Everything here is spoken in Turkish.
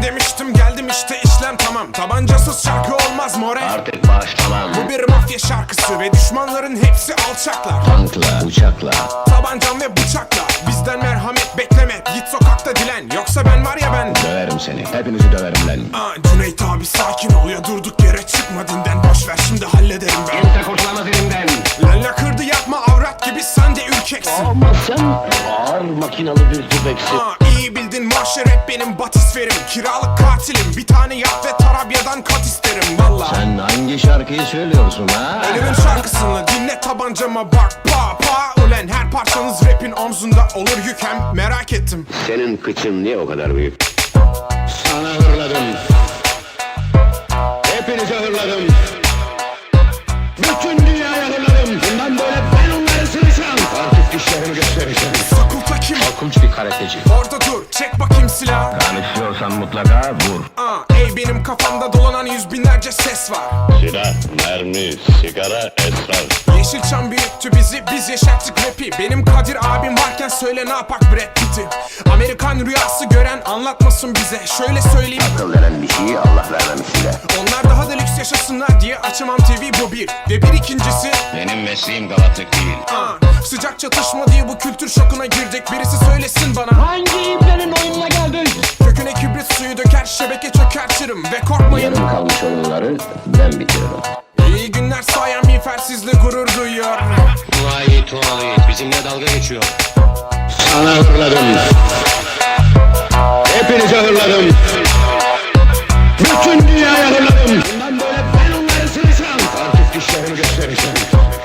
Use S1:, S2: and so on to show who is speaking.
S1: demiştim, geldim işte, işlem tamam. Tabancasız şarkı olmaz more.
S2: Artık başlamam.
S1: Bu bir mafya şarkısı ve düşmanların hepsi alçaklar.
S2: Tankla, uçakla,
S1: Tabancam ve bıçakla, bizden merhamet bekleme. Git sokakta dilen, yoksa ben var ya ben.
S2: döverim seni, hepinizi döverim lan.
S1: Cüneyt abi sakin ol ya, durduk yere çıkma dinden. Boş ver, şimdi hallederim ben.
S2: Kimse kurtulamaz elimden.
S1: Lalla kırdı yapma, avrat gibi sen de ürkeksin.
S2: Ama sen ağır makinalı bir tüfeksin.
S1: İyi bildin, mahşer hep benim batisferim. Kiralık katilim, bir tane yap ve Tarabya'dan kat isterim valla.
S2: Sen hangi şarkıyı söylüyorsun ha?
S1: Elimin şarkısını dinle, tabancama bak pa pa. Ulen her parçanız rapin omzunda olur yük, hem merak ettim.
S2: Senin kıçın niye o kadar büyük? Sana hırladım. Hepinize hırladım. Bütün dünyaya hırladım. Bundan böyle ben onları sıracağım. Artık dişlerimi göstereceğim.
S1: Fakulta kim?
S2: Korkunç bir karateci.
S1: Orada dur, çek bakayım silah.
S2: Tanışıyorsan mutlaka vur.
S1: Ey benim kafamda dolanan yüz binlerce ses var.
S3: Silah, mermi, sigara, esrar.
S1: Yeşilçam büyüttü bizi, biz yeşerttik rapi. Benim Kadir abim varken söyle ne yapak Brad Pitt'i. Amerikan rüyası gören anlatmasın bize. Şöyle söyleyeyim,
S2: Akıl denen bir şeyi Allah vermemişsin de.
S1: onlar daha da lüks yaşasınlar diye açamam TV, bu bir. Ve bir ikincisi,
S3: Benim mesleğim galatlık değil.
S1: sıcak çatışma diye bu kültür şokuna girdik. Birisi söylesin bana,
S2: Hangi iplerin oyununa geldin?
S1: köküne kibrit suyu döker, şebeke çökertirim. Ve korkmayın,
S2: Yarım kalmış oyunları ben bitiririm.
S1: iyi günler sayan miğfersizle gurur duyuyor.
S3: Tuvalet bizimle dalga geçiyor.
S2: Sana hırladım. Hepinize hırladım. Bütün dünyaya hırladım. Bundan böyle ben onları sıracağım. Artık dişlerimi göstereceğim.